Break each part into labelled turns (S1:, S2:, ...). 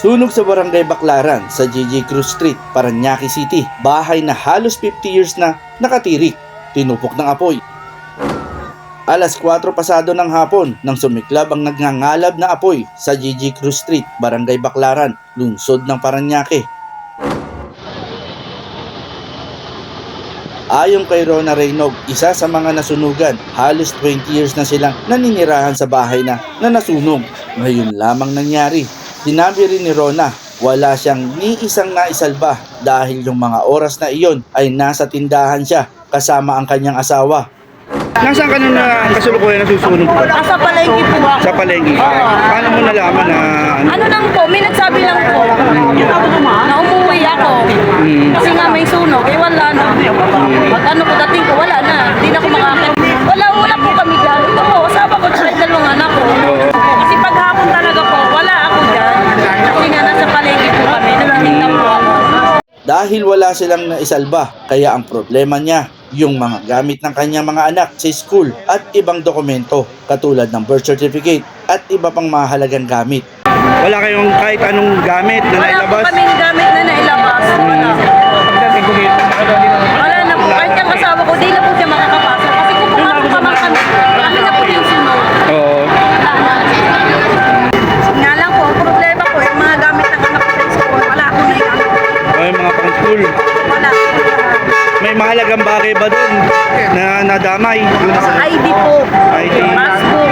S1: Sunog sa Barangay Baclaran sa JJ Cruz Street, Parañaque City. Bahay na halos 50 years na nakatirik, tinupok ng apoy. Alas 4 pasado ng hapon nang sumiklab ang nagngangalab na apoy sa JJ Cruz Street, Barangay Baclaran, lungsod ng Parañaque. Ayon kay Rona Reynog, isa sa mga nasunugan, halos 20 years na silang naninirahan sa bahay na nasunog. Ngayon lamang nangyari. Sinabi rin ni Rona, wala siyang ni isang naisalba dahil yung mga oras na iyon ay nasa tindahan siya kasama ang kanyang asawa.
S2: Nasaan ka nung kasulukuyan na susunog po?
S3: Sa palengke po.
S2: Sa palengke? Paano mo nalaman na
S3: Ano lang po, may nagsabi lang po na umuwi ako. Kasi nga may sunog, eh wala na. Pag ano po dating ko, wala na. Hindi na ako makakit. Wala po kami dyan. Ito po, kasama ko sa dalawang anak ko. Kasi paghapon talaga po, wala ako dyan. Kasi nga nasa palengke po kami, nagtitinda po ako.
S1: Dahil wala silang naisalba, kaya ang problema niya, yung mga gamit ng kanyang mga anak sa school at ibang dokumento katulad ng birth certificate at iba pang mahalagang gamit.
S2: wala kayong kahit anong gamit na
S3: Wala po
S2: nailabas?
S3: kami gamit na nailabas. Wala. Wala na po. Kahit yung kasama ko, di na po siya makakapasok. Kasi kung pumasok pa man kami, kami na po yung sunog.
S2: Oo.
S3: Wala na. Nga lang po, ang problema ko, yung mga gamit ng anak ko sa school, wala akong naigamit.
S2: Ay, mga pang school.
S3: Wala.
S2: May mahalagang bagay ba doon na nadamay?
S3: ID po.
S2: ID.
S3: Passbook.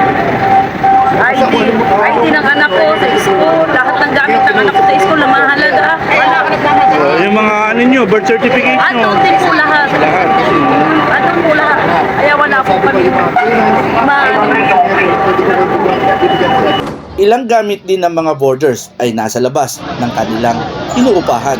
S3: ID ng anak ko sa school. Lahat ng gamit ng anak ko sa school na mahalaga. Wala.
S2: Yung mga ano nyo, birth certificate nyo?
S3: Ano din po lahat.
S2: Lahat.
S3: Ano po lahat. Kaya wala po kami.
S1: Ilang gamit din ng mga boarders ay nasa labas ng kanilang inuupahan.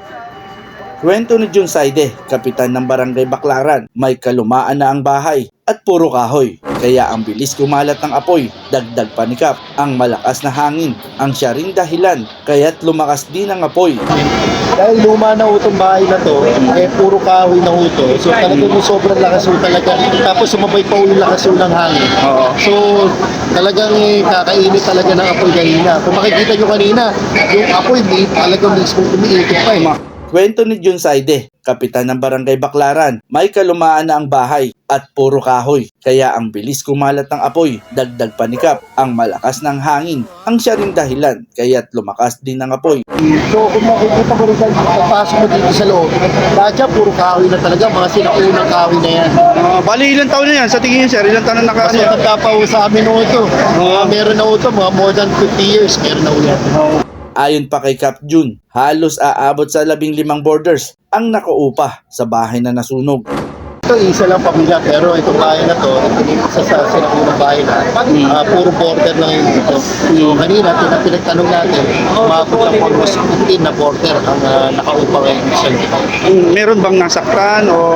S1: Kwento ni Jun Saide, kapitan ng Barangay Baclaran, may kalumaan na ang bahay at puro kahoy. Kaya ang bilis kumalat ng apoy, dagdag panikap, ang malakas na hangin, ang siya ring dahilan, kaya't lumakas din ang apoy.
S4: Dahil luma na itong bahay na to, eh puro kahoy na ito. So talagang sobrang lakas talaga. Tapos sumabay pa yung lakas ng hangin.
S2: Oo.
S4: So talagang kakainit talaga ng apoy kanina. Kung makikita nyo kanina, yung apoy talagang mismo umiikot pa eh.
S1: Kwento ni Jun Saide, kapitan ng Barangay Baclaran, may kalumaan na ang bahay at puro kahoy. Kaya ang bilis kumalat ng apoy, dagdag panikap, ang malakas ng hangin, ang siya ring dahilan, kaya't lumakas din ang apoy.
S4: So kung makikita mo rin pagpasok mo dito sa loob, lahat yan puro kahoy na talaga, mga sinaunang kahoy na yan.
S2: Bali, ilang taon na yan? Sa tingin niyo, sir, ilang taon na
S4: Kasi
S2: nakasya?
S4: nagkapaw sa amin na ito. Meron na ito, mga more than 50 years, meron na yan.
S1: Ayon pa kay Cap Jun, halos aabot sa 15 boarders ang nakaupa sa bahay na nasunog.
S4: Ito isa lang pamilya pero itong bahay na to, isa sa sinaunang bahay na, puro border lang yun dito. So kanina, pinagtanong natin, umabot lang almost 15 na border ang nakaupa ngayon sa dito.
S2: Meron bang nasaktan o...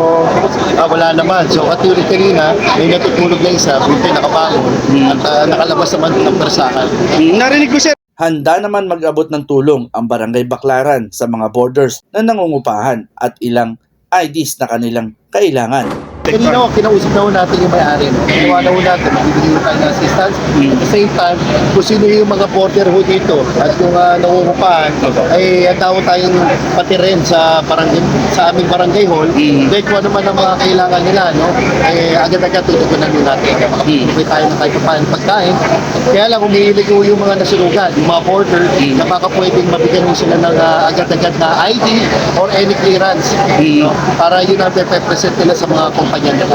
S4: Wala naman. So katulad kanina, may natutulog na isa, buti nakabangon, at nakalabas naman ng persahan.
S2: Narinig ko, sir.
S1: Handa naman mag-abot ng tulong ang Barangay Baclaran sa mga boarders na nangungupahan at ilang IDs na kanilang kailangan.
S4: Kanina kinausap na ho natin yung may-ari. Ginawa na ho natin, magbibigay tayo ng assistance. At the same time, kung sino yung mga porter ho dito at kung nangungupahan, ay tao tayong pati rin sa aming barangay hall. Dahil kung ano man ang mga kailangan nila, no? Ay agad-agad tutugunan ho natin. Makapagpapay tayo ng kahit paano pagkain. Kaya lang, umihilig ho yung mga nasunugan, yung mga porter, na baka pwedeng mabigyan ho sila ng agad-agad na ID or any clearance. No? Para yun ang represent nila sa mga kumpanya nila.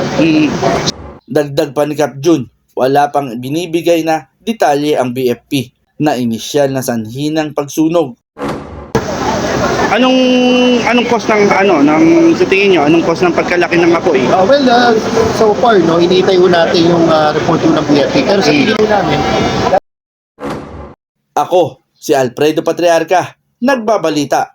S1: Dagdag pa ni Cap Jun, wala pang binibigay na detalye ang BFP na inisyal na sanhi ng pagsunog.
S2: Anong cost ng sa tingin niyo, anong cost ng pagkalaki ng apoy?
S4: So far, no, hinihintay ho natin yung report ng BFP. Pero sa tingin ho namin,
S1: Ako, si Alfredo Patriarca, nagbabalita.